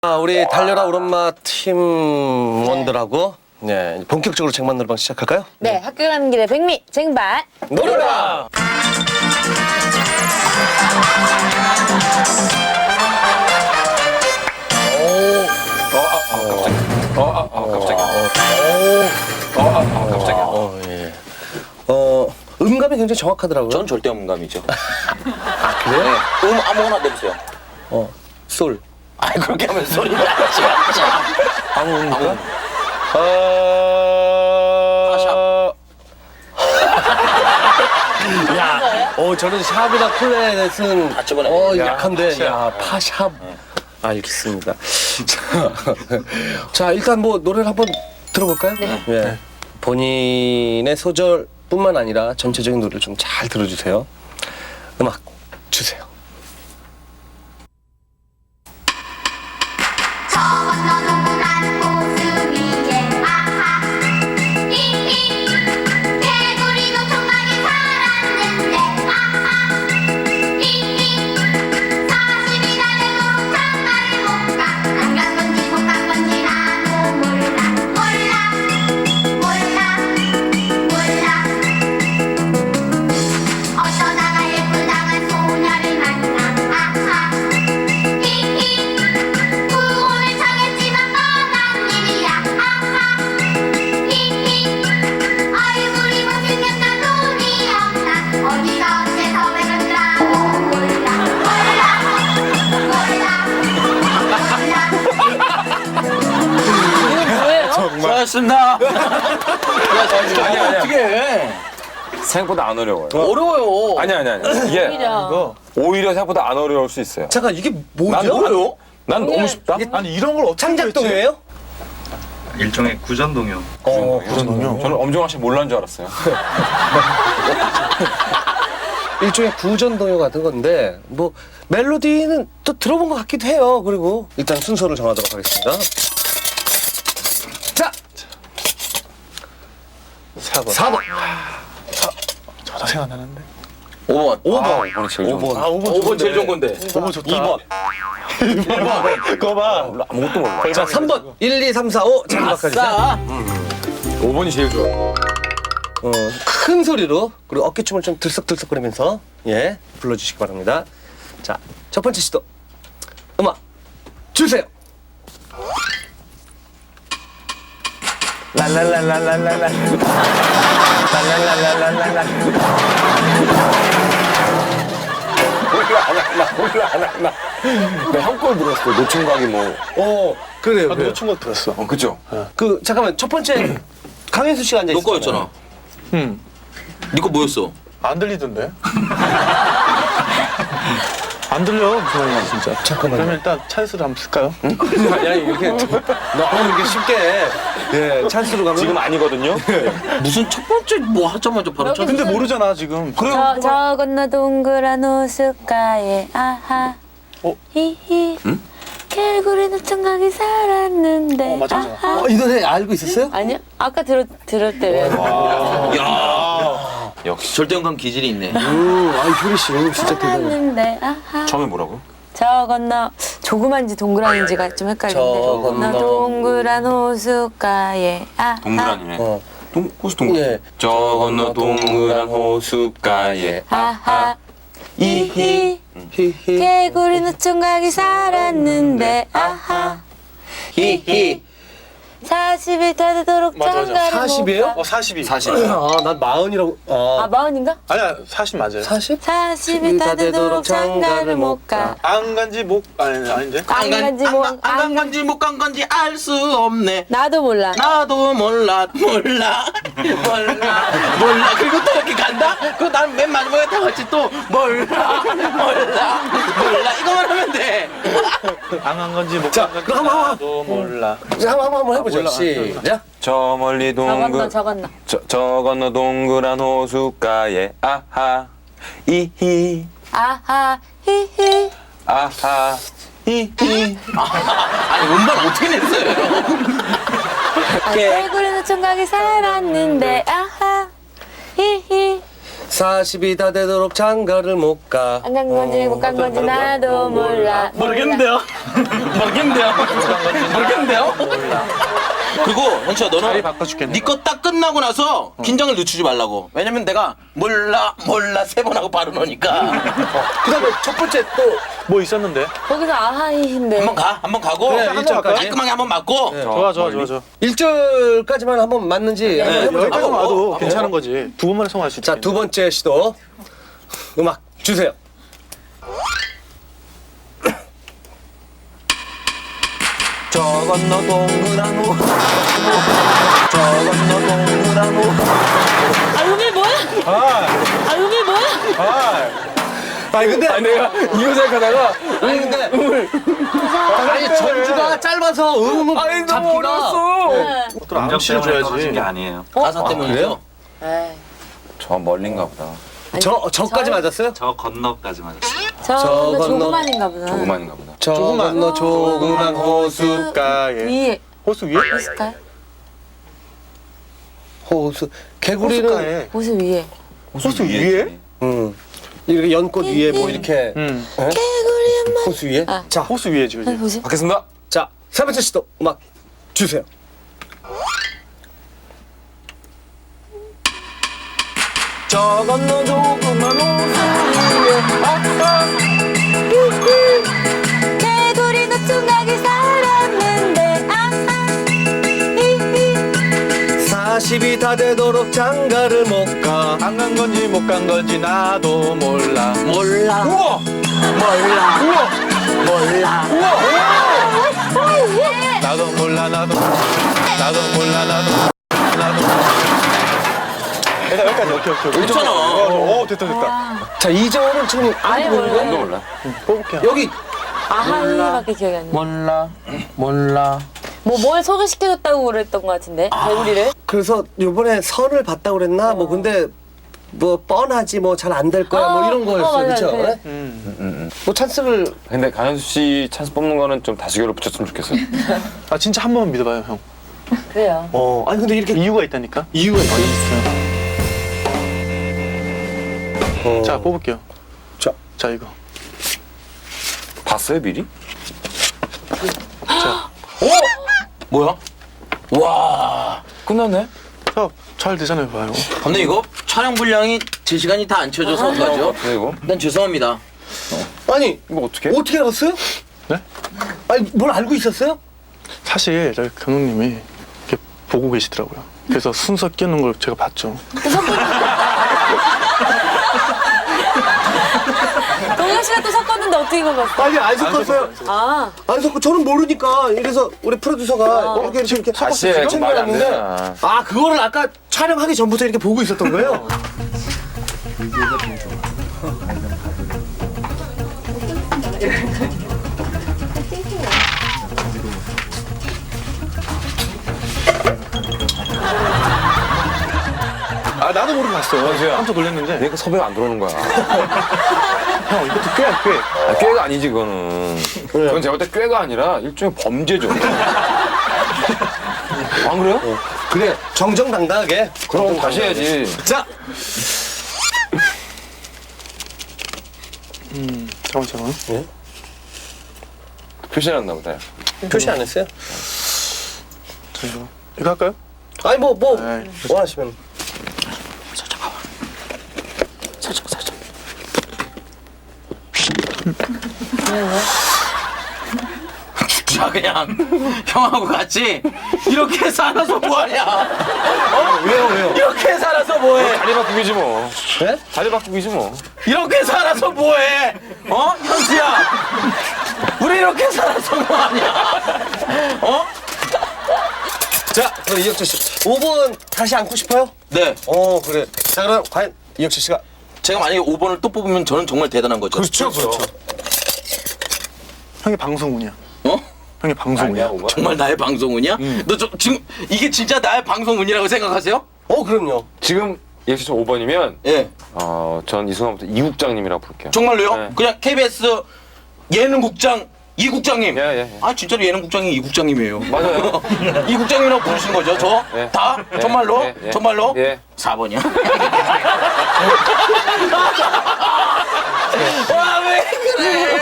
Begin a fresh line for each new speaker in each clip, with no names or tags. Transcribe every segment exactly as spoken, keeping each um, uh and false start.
아, 우리 달려라 우리 엄마 팀원들하고 네, 본격적으로 쟁반 노래방 시작할까요?
네, 학교 가는 길에 백미 쟁반
노래방!
어, 아, 갑자기. 어, 아, 아, 갑자기.
어, 예. 어, 음감이 굉장히 정확하더라고요.
전 절대 음감이죠.
아, 그래요?
네. 음 아무거나 내보세요.
어, 솔.
아, 그렇게 하면 소리가 나지.
아무 음인가?
파샵.
야, 어, 저는 샵이나 클래넷은
아, 저번에.
어,
야,
약한데, 야, 파샵. 알겠습니다. 자, 자, 일단 뭐 노래를 한번 들어볼까요? 네. 예. 본인의 소절뿐만 아니라 전체적인 노래를 좀 잘 들어주세요. 음악 주세요.
수고하셨습니다. 아니, 아니, 어떻게 해?
생각보다 안 어려워요.
어려워요.
아니 아니 아니. 이게
오히려
오히려 생각보다 안 어려울 수 있어요.
잠깐, 이게 뭐죠?
난
어려워?
난 너무 쉽다.
아니 이런 걸 어떻게
창작동이에요?
일종의 구전동요.
어, 그러군요.
저는 엄정화 씨 몰라는 줄 알았어요.
일종의 구전동요 같은 건데 뭐 멜로디는 또 들어본 것 같기도 해요. 그리고 일단 순서를 정하도록 하겠습니다. 자,
사 번.
사 번.
저도 생각 안 나는데.
오 번.
오 번.
아, 이번에 제일 좋은 거.
아 오 번.
오 번 제일 좋은 건데.
오 번 좋다.
이 번.
그거 봐.
아무것도 몰라.
자, 삼 번. 일, 이, 삼, 사, 오. 자, 음악해주세요.
싸.
오 번이 제일 좋아.
어, 큰 소리로 그리고 어깨춤을 좀 들썩들썩거리면서 예 불러주시기 바랍니다. 자, 첫 번째 시도 음악 주세요.
랄랄랄랄랄랄라. 랄랄랄랄랄랄라.
몰라 안 하나 몰라 안 하나. 나형걸 들었어. 노총각이 뭐.
어, 그래요.
아,
그래요.
놓친 거 들었어.
어 그죠.
그 잠깐만 첫 번째 강현수 씨가 앉아
너
있었잖아요.
거였잖아.
응.
네 거 뭐였어?
안 들리던데. 안 들려 무슨 말이야 진짜.
잠깐만요.
그러면 일단 찬스를 한번 쓸까요?
야, 이렇게 너무 이렇게 쉽게 예 찬스로 가면
지금 아니거든요.
무슨 첫 번째 뭐 하자마자 바로 첫.
근데 모르잖아 지금.
저, 저 건너 동그란 호숫가에 아하
어?
히히 개구리는 청각이 살았는데
어, 맞아, 맞아.
아하
어, 이 노래 알고 있었어요?
아니요? 아까 들었, 들을 때 왜?
야.
역시.
절대 음감 기질이 있네.
음, 아, 효리 씨 오늘 진짜 대단해.
살았는데 아하
처음에 뭐라고?
저 건너 조그만지 동그란지가 좀 헷갈리는데
저 건너
동그란 호숫가에 아하
동그라니네.
어,
동 호수 동그란.
예.
저 건너 동그란 호숫가에
아하 히히
히히.
개구리는 청각이 살았는데 아하
히히.
사십이 다 되도록
맞아, 맞아.
장가를
사십이에요?
못 가.
어 사십이.
사십.
아, 난 마흔이라고.
아
아,
마흔인가?
아니야 사십 맞아요.
사십?
사십이 다 되도록 장가를 못 가.
안 간지 목 아니 아닌데.
안 간지 뭐,
안 간 건지 못 간 건지 알 수 없네.
나도 몰라.
나도 몰라 몰라 몰라 몰라. 그리고 또 이렇게 간다? 그거 난 맨 마지막에 다 같이 또 몰라 몰라 몰라 이거만 하면 돼.
안 간 건지 못
자,
간 건지
그럼 한번,
나도 몰라.
자, 한번 한번 해보죠.
몰라.
시작.
저 멀리
저건너
동그
저건너.
저, 저 건너 동그란 호숫가에 아하 이히
아하 히히
아하 히히.
아니 음반 어떻게 냈어요?
아, 개구리는 총각이 살았는데 아하 히히
사십이 다 되도록 장가를 못 가.
안 간 건지 못 간 건지 나도 몰라.
모르겠는데요. 모르겠는데요. 모르겠는데요. 그리고 현수야 너는
자리 바꿔줄겠네.
네 거 딱 끝나고 나서 긴장을 늦추지 말라고. 왜냐면 내가 몰라 몰라 세 번 하고 바로 넣으니까.
그다음에 첫 번째 또
뭐 있었는데?
거기서 아하이인데.
한번 가, 한번 가고
그래, 일 절까지.
깔끔하게 한번 맞고.
좋아 좋아 좋아 좋아.
일 절까지만 한번 맞는지 한번 해보자.
여기까지
어,
와도
어,
괜찮은
어.
거지. 두 번만에 성공할 수 있지.
자, 두 번째 시도. 음악 주세요.
저 건너 동그란 호. 저 건너 동그란 호.
아 음이 뭐야? 아 음이 뭐야?
아니 근데 아니, 내가 이거 생각하다가 아니 근데 음을 아니 전주가 짧아서 음을 아니, 잡기가
또
음정
암시를
때문에 떨어진
줘야지.
게 아니에요.
가사 때문이죠.
에이.
저 멀린가 보다.
저 저까지
저-
맞았어요?
저 건너까지 맞았어요.
저
저
건너
건너-
조그만인가 보다.
조그만인가 보다.
저 건너 조그만 호숫가에
위에
호수 위에?
있을까요?
호수 개구리는
호숫가에.
호수 위에.
호수 위에?
음 이렇게 연꽃 위에 뭐 이렇게
응.
예?
개구리 엄마.
호수 위에
아.
자,
호수 위에지 그지?
보세요.
받겠습니다.
자, 세 번째 시도 음악 주세요.
저 건너 조그만 호수 위에
개구리 노총각이 살았는데 아아 히히.
사십이 다 되도록 장가를 못 가.
안 간 건지 못 간 건지 나도 몰라.
몰라.
우와!
몰라.
우와!
몰라.
나도 몰라 나도 나도 몰라 나도 나도. 일단 여기까지 오케이 오케이. 오케이.
괜찮아.
오 됐다 됐다.
자, 이 절은 지금
아예
아무도 모르는
몰라요.
거야?
몰라.
뽑을게요.
여기
아하이밖에 기억이 안 나.
몰라. 몰라.
뭐 뭘 소개시켜줬다고 그랬던 것 같은데 개구리를.
그래서 요번에 선을 봤다고 그랬나? 뭐 근데 뭐 뻔하지 뭐 잘 안 될 거야 뭐
어,
이런
어,
거였어요.
맞아요.
그렇죠?
네.
음.
뭐 찬스를
근데 강현수 씨 찬스 뽑는 거는 좀 다수결로 붙였으면 좋겠어요.
아 진짜 한 번만 믿어봐요 형.
그래요.
어, 아니 근데 이렇게
이유가 있다니까.
이유가 있어요. 어.
자 뽑을게요.
자,
자 이거.
봤어요 미리?
뭐야? 와.
끝났네.
자잘 되잖아요 봐요.
근데 이거 촬영 분량이 제 시간이 다 안 쳐져서 그러죠.
네 이거.
난 죄송합니다.
아니
이거 어떻게?
어떻게 알았어요?
네?
아니 뭘 알고 있었어요?
사실 저희 감독님이 이렇게 보고 계시더라고요. 그래서 순서 끼는 걸 제가 봤죠.
동현 씨가 또 섞었는데 어떻게 이거 봤어?
아니 안 섞었어요.
아
안 섞고 저는 모르니까 이래서 우리 프로듀서가 이렇게 이렇게 이렇게
다시
섞었어요.
해. 그건 말이 안
챙겨놨는데
되잖아.
아 그거를 아까 촬영하기 전부터 이렇게 보고 있었던 거예요?
아 나도 모르고 봤어.
현수야.
깜짝 놀랐는데.
내가 섭외가 안 들어오는 거야.
형 이것도 꽤야 꽤.
아, 꾀가 아니지 그거는. 그건 제가 볼 때 꾀가 아니라 일종의 범죄죠. 안 그래요?
그래 정정당당하게.
그럼 다시 해야지.
자
음 잠깐 잠깐.
표시해놨나 보다.
표시 안 했어요?
자 이거 이거 할까요?
아니 뭐 뭐
에이,
원하시면.
살짝 살짝. 자 그냥 형하고 같이 이렇게 살아서 뭐하냐? 어?
왜요 왜요?
이렇게 살아서 뭐해?
자리 바꾸기지 뭐.
네?
자리 바꾸기지 뭐.
이렇게 살아서 뭐해? 어? 현수야 우리 이렇게 살아서 뭐하냐? 어?
자 그럼 이혁철 씨 오 번 다시 안고 싶어요?
네
어 그래. 자 그럼 과연 이혁철 씨가
제가 만약에 오 번을 또 뽑으면 저는 정말 대단한 거죠.
그렇죠 그렇죠.
형이 방송운이야.
어?
형이 방송운이야.
아니야, 오바.
정말 나의 방송운이야? 너 저, 지금 이게 진짜 나의 방송운이라고 생각하세요?
어 그럼요.
지금 역시 저 오 번이면
예.
어, 전 이 순간부터 이국장님이라고 부를게요.
정말로요?
네.
그냥 케이비에스 예능국장 이국장님.
예, 예, 예.
아 진짜로 예능국장이 이국장님이에요.
맞아요.
이국장님이라고 부르신 거죠? 저?
예.
다?
예.
정말로?
예, 예.
정말로?
예.
사 번이야. 와왜 그래?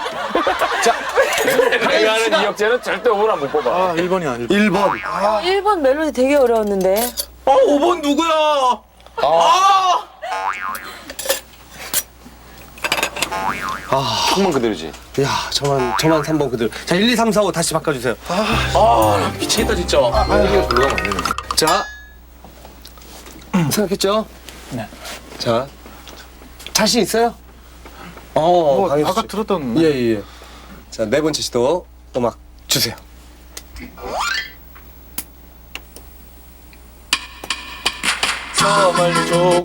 내가 하는 이혁재는 절대 오분 안 못 뽑아.
아, 일 번이야, 일 번.
일 번.
어, 일 번 멜로디 되게 어려웠는데.
어 오 번 누구야? 아.
한번 그대로지.
야, 저만 저만 삼 번 그대로. 자, 일, 이, 삼, 사, 오 다시 바꿔 주세요.
아 미치겠다 진짜.
이게 불러가면 안 되는.
자, 생각했죠?
네.
자, 자신 있어요? 어,
뭐,
강혜수
아까
씨.
들었던.
예, 예, 예. 자, 네 번째 시도 음악 주세요.
정말 조금.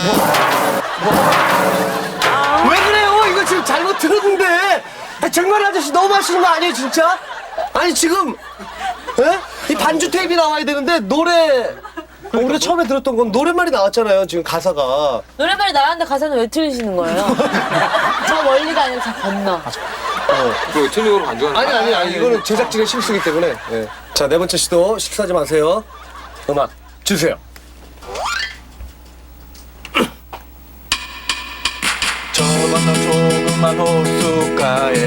왜 그래요? 이거 지금 잘못 들었는데. 아, 정말 아저씨 너무 하시는 거 아니에요, 진짜? 아니, 지금, 예? 이 반주 테이프 나와야 되는데, 노래, 우리가 처음에 들었던 건 노랫말이 나왔잖아요, 지금 가사가.
노래발이 나왔는데 가사는 왜 틀리시는 거예요? 저 멀리가 아니라 저 건너.
그 틀리고로 간주하는.
아니, 아니, 아니, 이거는 제작진의 실수기 때문에. 예. 자, 네 번째 시도 실수하지 마세요. 음악 주세요.
저 건너 조그만 호숫가에.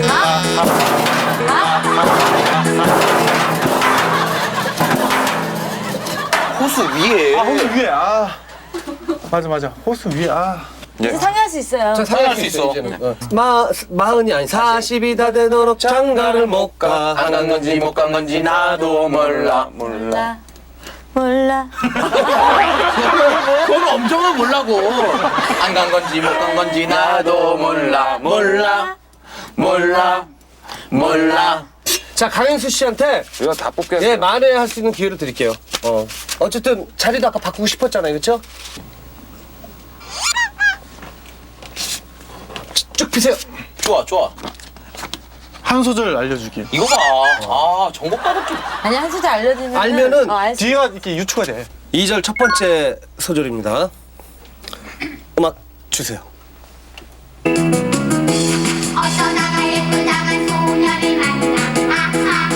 호수 위에.
아, 호수 위에. 아. 맞아, 맞아. 호수 위에. 아.
이제 상의할 수 있어요.
자,
상의할 수 있어.
이제는. 어. 마, 마흔이 아니, 사십이 다 되도록 장가를 못 가.
안 간 건지 못 간 건지 나도 몰라.
몰라. 몰라.
그건 엄정은 몰라고. 안 간 건지 못 간 건지 나도 몰라. 몰라. 몰라. 몰라.
자, 강현수 씨한테
우리가 다 뽑겠어.
예, 만회할 수 있는 기회를 드릴게요. 어. 어쨌든 자리도 아까 바꾸고 싶었잖아요, 그렇죠? 쭉 피세요.
좋아 좋아.
한 소절 알려주기.
이거 봐. 아 정복 따먹기.
아니, 한 소절 알려주면.
알면은
어, 알 수-
뒤가 이렇게 유추가 돼.
이 절 첫 번째 소절입니다. 음악 주세요.
어쩌다가 예쁘장한 소녀를 만나 아하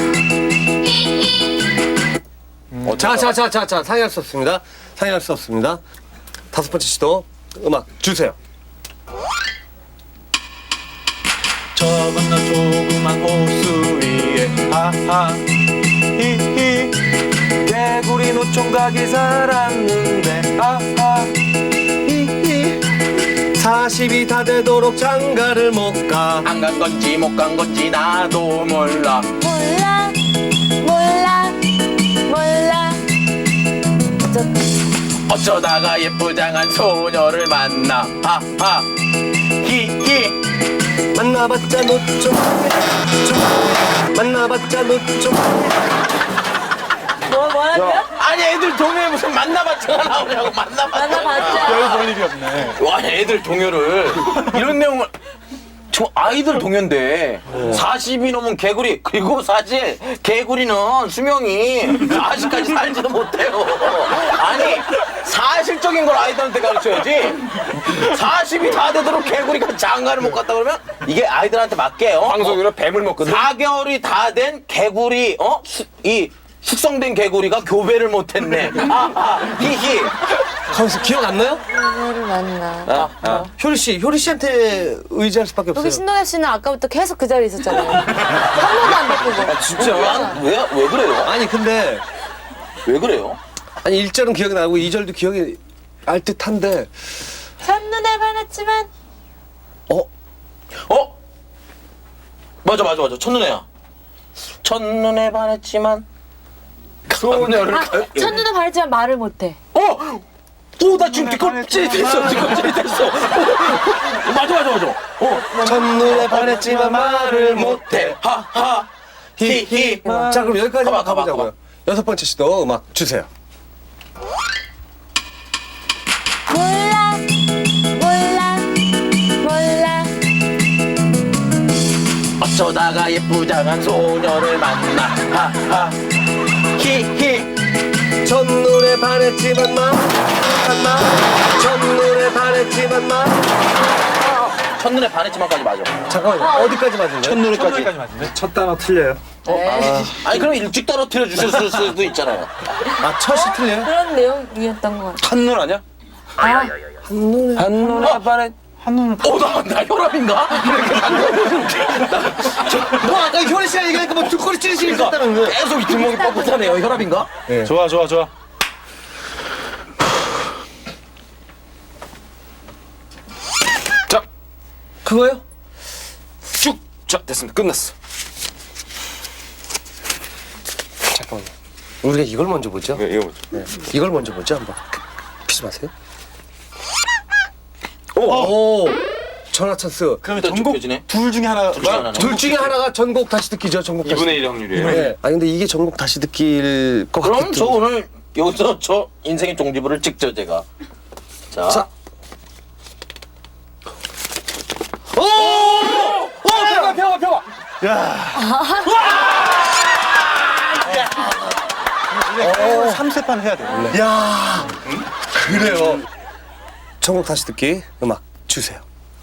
히히
자, 자, 자, 자, 자, 상의할 수 없습니다. 상의할 수 없습니다. 다섯 번째 시도 음악 주세요.
저 건너 조그만 호수 위에. 하하. 히히. 개구리 노총각이 살았는데. 하하.
히히. 사십이 다 되도록 장가를 못 가.
안 간 건지 못 간 건지 나도 몰라.
몰라. 몰라. 몰라. 저,
어쩌다가 예쁘장한 소녀를 만나. 하하. 히히.
만나봤자 노총 만나봤자 노총
뭐, 뭐라고요?
아니 애들 동요에 무슨 만나봤자가 나오냐고. 만나봤자.
만나봤자.
별 볼 일이 없네.
와 애들 동요를 이런 내용을. 저 아이들 동요인데 사십이 넘은 개구리. 그리고 사실 개구리는 수명이 사십까지 살지도 못해요. 아니 사실적인 걸 아이들한테 가르쳐야지. 사십이 다 되도록 개구리가 장가를 못 갔다 그러면 이게 아이들한테 맞게요.
방송으로 뱀을 먹거든.
사 개월이 다 된 개구리, 어? 수, 이 숙성된 개구리가 교배를 못했네. 아아 히히.
가만있어, 기억 안 나요?
소녀를 만나.
아,
효리 씨, 효리 씨한테 의지할 수밖에 없어요.
여기 신동엽 씨는 아까부터 계속 그 자리에 있었잖아요. 한 번도 안 바꾸고.
진짜 왜, 왜, 왜 그래요?
아니, 근데
왜 그래요?
아니 일 절은 기억이 나고 이 절도 기억이 날 듯한데
첫눈에 반했지만.
어?
어? 맞아 맞아 맞아 첫눈에야. 첫눈에 반했지만 소녀를
아,
가-
첫눈에 반했지만 말을 못해.
어? 오, 나 지금 뒷걸음질이 됐어. 뒷걸음질이 됐어. 오, 맞아 맞아 맞아. 어.
첫눈에 반했지만 말을 못해.
하하 히히.
자, 그럼 여기까지만
가봐, 가봐,
가보자고요. 여섯 번째 시도 음악 주세요.
몰라. 몰라. 몰라.
어쩌다가 예쁘장한 소녀를 만나. 하하 히히.
첫눈에 반했지만 말, 말. 첫눈에 반했지만 말.
첫눈에 반했지만까지 맞아.
잠깐만요. 어디까지 맞은 거예요?
첫눈에까지 맞는데?
첫 단어 틀려요.
아니 그럼 일찍 떨어뜨려 주실 수도 있잖아요.
아, 첫이 틀려요?
그런 내용이었던 것 같아.
한눈 아니야?
아,
한눈에
한눈에 반해.
한눈을
어, 나, 나 혈압인가? 이렇게
뭐 아까 효리 씨가 얘기하니까 뭐 뒷골이 찌르시니까
계속 뒷목이 뻣뻣하네요. 혈압인가?
좋아 좋아 좋아.
자,
그거요?
쭉. 자, 됐습니다. 끝났어.
잠깐만요. 우리가 이걸 먼저 보죠.
네, 이거 보죠.
네. 이걸 먼저 보죠 한번. 피지 마세요.
오.
오, 전화 찬스.
그러면
또
전곡
좁혀지네.
둘 중에 하나.
중에 하나는?
둘 중에 하나가 전곡 다시 듣기죠. 전곡 다시.
이분의 일 확률이에요.
네. 아니 근데 이게 전곡 다시 듣기일 것 같아요.
그럼 저 오늘 여기서 저 인생의 종지부를 찍죠, 제가. 자.
자. 오! 오! 펴봐 펴봐 펴봐.
야. 삼 세판 해야 돼. 원래.
야, 그래요. 전곡 다시 듣기 음악 주세요.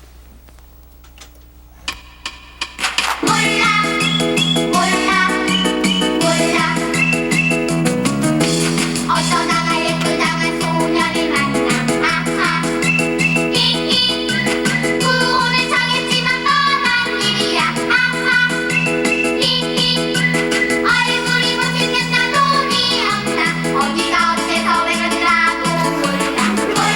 몰라 몰라 몰라 어쩌다가 예쁘장한 소녀를 만나 아하 히히 구원을 정했지만 뻔한 일이야 아하 히히 얼굴이 못생겼나 돈이 없나 어디가 어째서 왜 그러더라도 몰라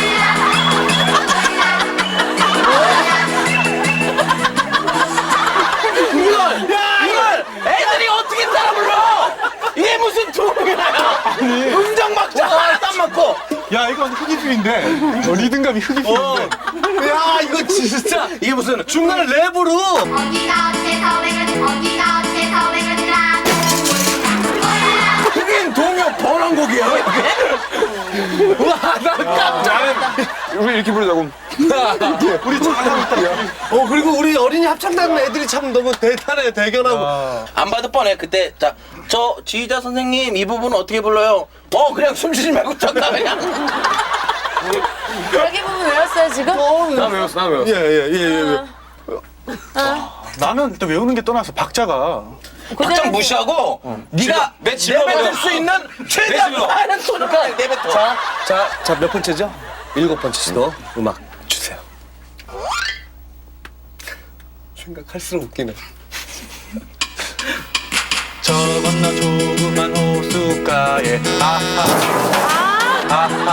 이걸! 이걸! 애들이 어떻게 따라 불러! 이게 무슨 동요야! 음정 막자! 땀 맞고!
야 이건 흑이필인데 어, 리듬감이 흑이필인데.
야, 이거 진짜 이게 무슨 중간에 랩으로.
어디가 어째서 왜 그러더라도 어디가 어째서 왜 그러더라도 몰라
흑인 동요 번안곡이야, 이게?
와, 나 깜짝.
우리 이렇게 부르자고.
우리 잘하고 있다.
어, 그리고 우리 어린이 합창단 애들이 참 너무 대단해, 대견하고.
안 봐도 뻔해. 그때, 자, 저 지휘자 선생님 이 부분 어떻게 불러요? 어, 그냥 숨 쉬지 말고 쳤다, 그냥.
여기 부분 외웠어요 지금?
나 외웠어, 나 외웠어.
예, 예, 예, 예.
나는 또 외우는 게 떠나서 박자가.
박장 무시하고, 네가
내 집으로
내뱉을
가자.
수 있는 최대한
집으로.
많은 소리가 내뱉어.
자, 자, 자, 몇 번째죠? 일곱 번째 시도 음악 주세요. 생각할수록 웃기네.
저 건너 조그만 호숫가에 아하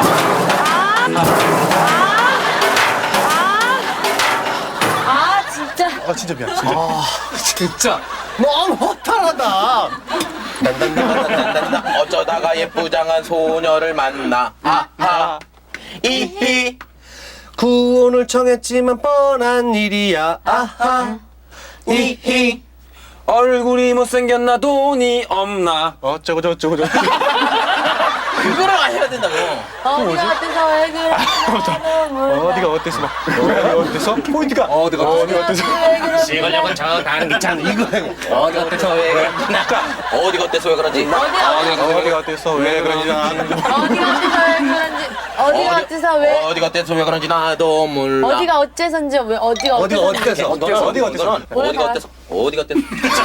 아 진짜.
아 진짜 미안 진짜.
진짜 너무 허탈하다.
단단단단단단 어쩌다가 예쁘장한 소녀를 만나. 아하. 이히.
구원을 청했지만 뻔한 일이야. 아하.
이히.
얼굴이 못생겼나 돈이 없나.
어쩌고 저쩌고 저쩌고.
그거를 해야 된다고.
어디가 어때서 왜 그래? 나는 몰라.
어디가 어때서 막 어디가 어때서 포인트가
어디가
어디가 어때서
왜 그래?
시골역은 저 가는 기차는 이거 어디 어때서 왜 그런지 어디 어때서 왜 그런지
어디가 어때서 왜 그런지 나는
어디가 어때서 왜 그런지 어디가 어때서 왜
어디가 어때서 왜 그런지 나도 몰라.
어디가 어째서인지 왜 어디가
어디가
어째서
어때서?
어디가
어디가 어때서?
어디가 어때서 어디가 어때서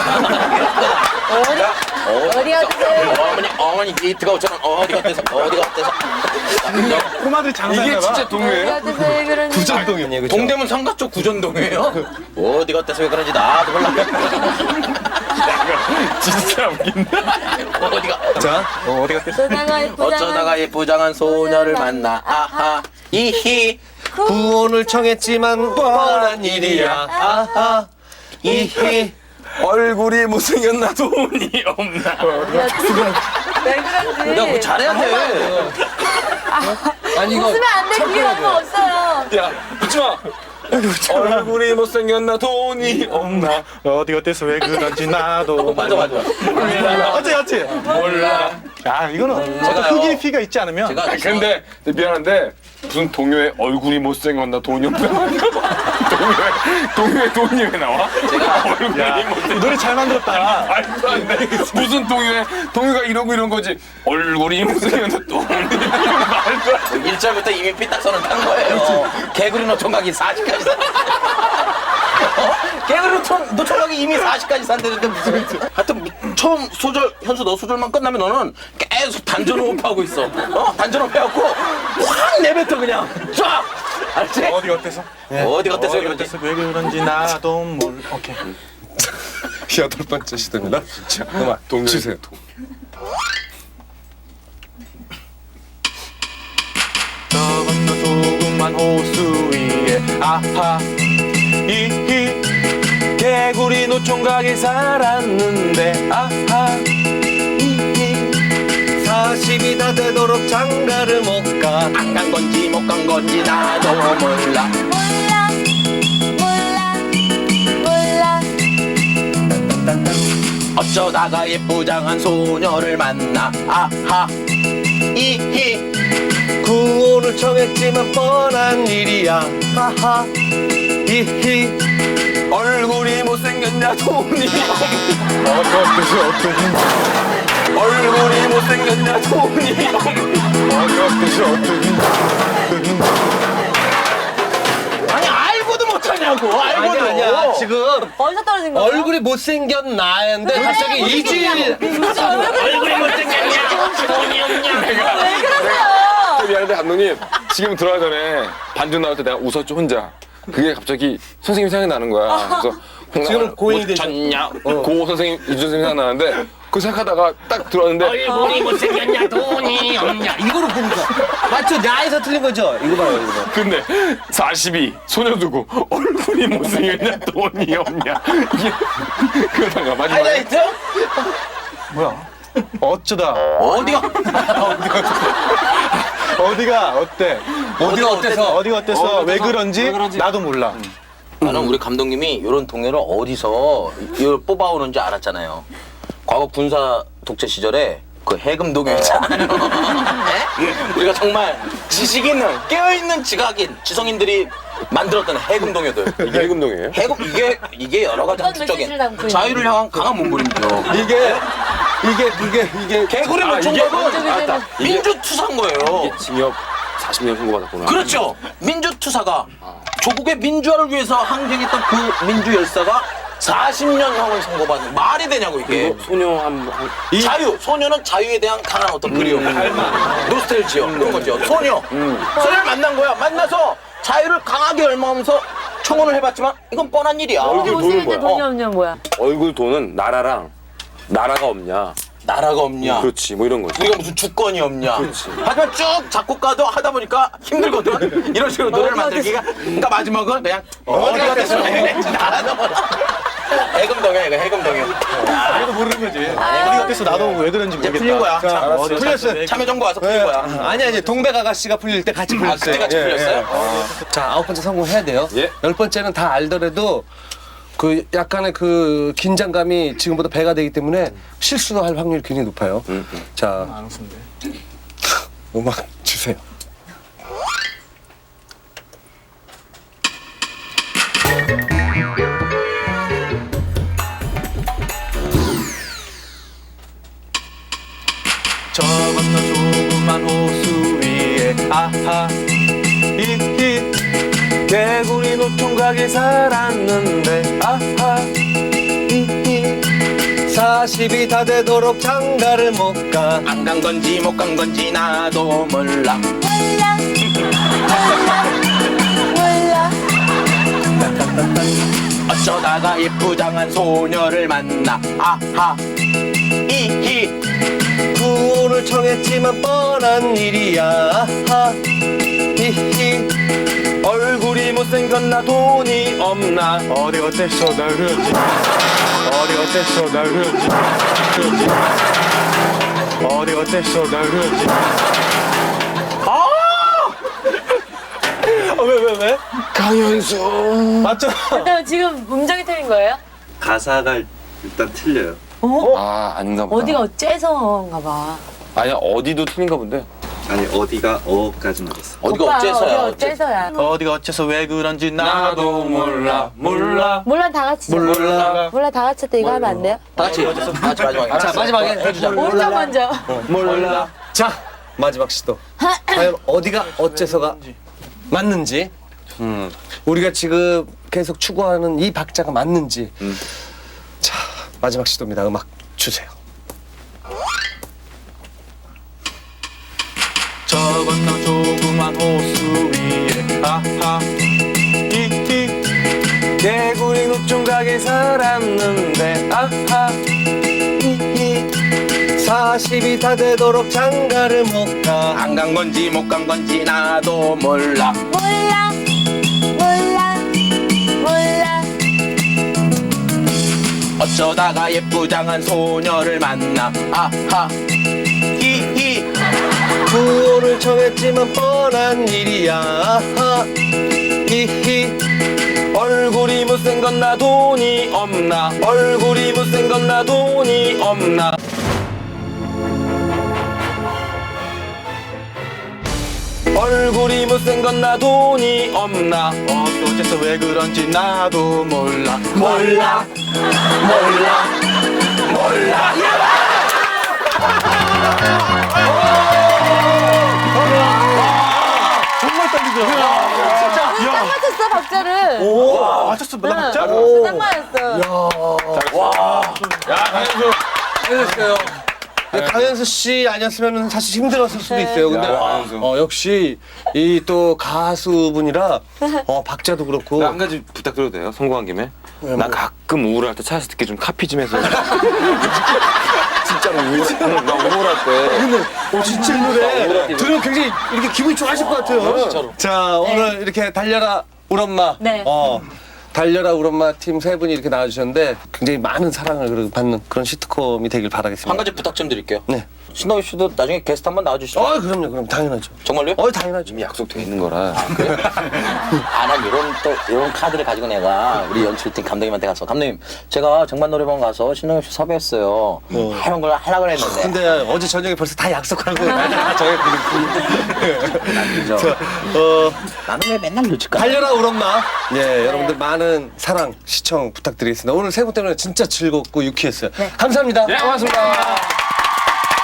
어디 어디가 어때서
어머니 어머니 게이트가 오처럼 어디가 어때서 어디가 어때서
꼬마들이 장사했나
이게
봐.
진짜
어디가
동요예요?
어때서 왜 그런지
구정동이네, 그죠?
동대문 상가 쪽 구전동이에요? 어디가 어때서 왜 그런지 나도 몰라.
진짜 웃긴다.
어디가
자,
어, 어디가 어때서?
어쩌다가 예쁘장한
어쩌다가 예쁘장한 소녀를 만나 아하 이히
구원을 청했지만 뻔한 일이야. 아하. 이히.
얼굴이 못생겼나 돈이 없나.
왜 그런지
야, 뭐 잘해야 돼.
아니 이거
웃으면 안돼 그게 너무 없어요.
야, 웃지 마. 얼굴이 못생겼나 돈이 없나.
어디가 어때서 왜 그런지 나도
맞아 맞아.
어째 어째
몰라.
야 이거는 어떤
제가요.
흑인 피가 있지 않으면
제가
아니, 근데 미안한데 무슨 동요에 얼굴이 못생겼나 돈이 없나. 동요에 동요에 돈이 왜 나와?
제가
얼굴이
야,
못생.
이 노래 잘 만들었다.
말도 안 돼. 무슨 동요에 동요가 이러고 이런 거지. 얼굴이 못생겼나 돈이 말도 안 돼.
일 절부터 이미 피딱선을 탄 거예요. 개구리 노총각이 사십까지 산. 어? 개구리 노총, 노총각이 이미 사십까지 산다는데 무슨. 하여튼 처음 소절, 현수 너 소절만 끝나면 너는 계속 단전 호흡하고 있어. 어? 단전 호흡해갖고 확 내뱉어 그냥. 쫙! 알지?
어디 어때서?
어디 어때서
어디
그런지.
어때서 왜 그런지 나도 몰라. 오케이.
여덟 번째 시도입니다. 자, 음악 주세요.
저 건너 조그만 호수 위에 아하 이히 개구리 노총각이 살았는데 아하 이히
사십이 다 되도록 장가를 못 가.
안 간 건지 못 간 건지 나도 몰라.
몰라 몰라 몰라
어쩌다가 예쁘장한 소녀를 만나 아하 이히
구원을 청했지만 뻔한 일이야. 하하 히히
얼굴이 못생겼냐 돈이
어디 어때서 어떠니
얼굴이 못생겼냐 돈이
어디 어때서 어떠니
아니 알고도 못하냐고 알고도
아니 아니야 지금
어디서 떨어진 거예요?
얼굴이 못생겼나인데 갑자기 이질
무슨 얼굴이
못생겼냐 돈이 없냐
왜 그러세요?
미안한데 감독님 지금 들어가기 전에 반주 나올 때 내가 웃었죠 혼자. 그게 갑자기 선생님 생각이 나는 거야. 그래서
지금은 고인이 되죠.
졌냐
고 선생님 이준 선생님 생각나는데 그 생각하다가 딱 들어왔는데
얼굴이 못생겼냐 돈이 없냐
이거로 보는 거야. 맞죠? 야에서 틀린 거죠? 이거 봐요 이거.
근데 사십이 소녀 두고 얼굴이 못생겼냐 돈이 없냐 이게 그러다가 마지막에
하이라이트
뭐야 어쩌다
어디가
어디가 어때
어디가 어때서?
어디가 어때서 왜 그런지 나도 몰라.
나는 우리 감독님이 이런 동요를 어디서 이걸 뽑아오는지 알았잖아요. 과거 군사 독재 시절에 그 해금 동요 있잖아요. 네? 우리가 정말 지식 있는 깨어있는 지각인 지성인들이 만들었던 해금 동요들.
이게 해금동이에요?
해금 이게 이게 여러 가지
어떤
함축적인
메시지를 담고 있는
자유를 향한 강한 몸부림이죠.
이게 이게 그게 이게
개구리
아, 이게-
노총각은
맞다.
민주투사인 거예요.
징역 사십 년 선고받았구나.
그렇죠. 민주투사가 조국의 민주화를 위해서 항쟁했던 그 민주 열사가 사십 년형을 선고받는 말이 되냐고 이게.
소녀 한, 한
자유, 소녀는 자유에 대한 강한 어떤 그리움, 노스텔지어 그런 거죠. 소녀, 소녀를 만난 거야. 만나서 자유를 강하게 열망하면서 청혼을 해봤지만 이건 뻔한 일이야.
얼굴
돈은
못생겼는데
뭐야?
돈이 없냐 뭐야?
얼굴 돈은 나라랑 나라가 없냐.
나라가 없냐.
그렇지 뭐 이런 거지.
우리가 무슨 주권이 없냐. 하지만 쭉 작곡가도 하다 보니까 힘들거든. 이런 식으로 노래를 만들기가. 그러니까 마지막은 그냥 어디가 됐어. 나라도 몰라. 해금동이야 이거 해금동이야.
나도 모르는 거지. 어디가 어때서 나도 왜 그런지
이제
모르겠다.
풀린 거야.
자,
참,
어디
풀렸어요.
참여정부 와서 풀린 거야.
아니 아니 동백 아가씨가 풀릴 때 같이
아
풀렸어요.
그때 같이
예,
풀렸어요?
예. 자 아홉 번째 성공해야 돼요.
예.
열 번째는 다 알더라도 그 약간의 그 긴장감이 지금보다 배가 되기 때문에 실수할 확률이 굉장히 높아요. 자
안 웃는데.
음악 주세요.
저 건너 조그만 호수 위에 아하 이히 개구리 노총각이 살았는데 아하 이히
사십이 다 되도록 장가를 못 가.
안 간 건지 못 간 건지 나도 몰라.
몰라 몰라
어쩌다가 예쁘장한 소녀를 만나 아하 이히
구원을 청했지만 뻔한 일이야. 하하 히히
얼굴이 못생겼나 돈이 없나.
어디 어때서 나 그런지 어디 어때서 나 그런지 그런지 어디 어때서 나 그런지
왜 왜 왜?
강현수.
맞죠?
근데 지금 음정이 틀린 거예요?
가사가 일단 틀려요.
아 아닌가 보다.
어디가 어째서인가 봐.
아니야 어디도 틀린가 본데.
아니 어디가 어까지 나왔어.
어디가
오빠,
어째서야.
어디가 어째서야?
어디가 어째서 왜 그런지 나도 몰라 몰라
몰라 다 같이.
몰라.
몰라 다 같이 때 이거 하면 안 돼요?
다 같이 다 같이 마지막에.
자 마지막에 해주자.
먼저 먼저.
몰라. 자 마지막 시도. 과연 어디가 어째서가 맞는지. 음. 우리가 지금 계속 추구하는 이 박자가 맞는지. 자 마지막 시도입니다. 음악 주세요.
저 건너 조그만 호수 위에 아 아하 히히 개구리 노총각에 살았는데 아하 히히
사십이 다 되도록 장가를 못가
안 간 건지 못 간 건지 나도 몰라.
몰라 몰라 몰라.
어쩌다가 예쁘장한 소녀를 만나 아하 히히
구호를 청했지만 뻔한 일이야 아하 히히
얼굴이 못생겼 나 돈이 없나 얼굴이 못생겼 나 돈이 없나 얼굴이 못생겼 나 돈이 없나 어떻게 어째서 왜 그런지 나도 몰라 몰라 몰라 몰라
정말 떨리죠?
진짜 딱 맞췄어 박자를.
오 맞췄어 나 진짜?
네, 딱 맞았어.
야 강현수
잘했어요. 강현수 씨 아니었으면 사실 힘들었을 수도 있어요. 근데 어, 역시 이 또 가수분이라 어, 박자도 그렇고
나 한 가지 부탁드려도 돼요? 성공한 김에? 나 가끔 우울할 때 차에서 듣기 좀 카피 좀 해서 진짜로 우울, 나 우울할 때
근데 어, 진짜 이 노래 들으면 굉장히 이렇게 기분이 좋아하실 것 같아요. 자 오늘 이렇게 달려라 우리 엄마.
네.
어, 달려라 우리 엄마 팀 세 분이 이렇게 나와주셨는데 굉장히 많은 사랑을 그래도 받는 그런 시트콤이 되길 바라겠습니다.
한 가지 부탁 좀 드릴게요.
네.
신동엽 씨도 나중에 게스트 한번 나와주시죠.
어 그럼요 그럼 당연하죠.
정말요?
어 당연하죠.
이미 약속돼 있는 거라
아, 난 이런 또 이런 카드를 가지고 내가 우리 연출팀 감독님한테 가서 감독님 제가 정말 노래방 가서 신동엽 씨 섭외했어요. 이런 걸 하려고 했는데.
근데 어제 저녁에 벌써 다 약속하고 다 정했거든요.
그죠?
어,
나는 왜 맨날 늦을까?
달려라 우리 엄마. 예, 여러분들 많은 사랑 시청 부탁드리겠습니다. 오늘 세 분 때문에 진짜 즐겁고 유쾌했어요. 감사합니다.
예 고맙습니다.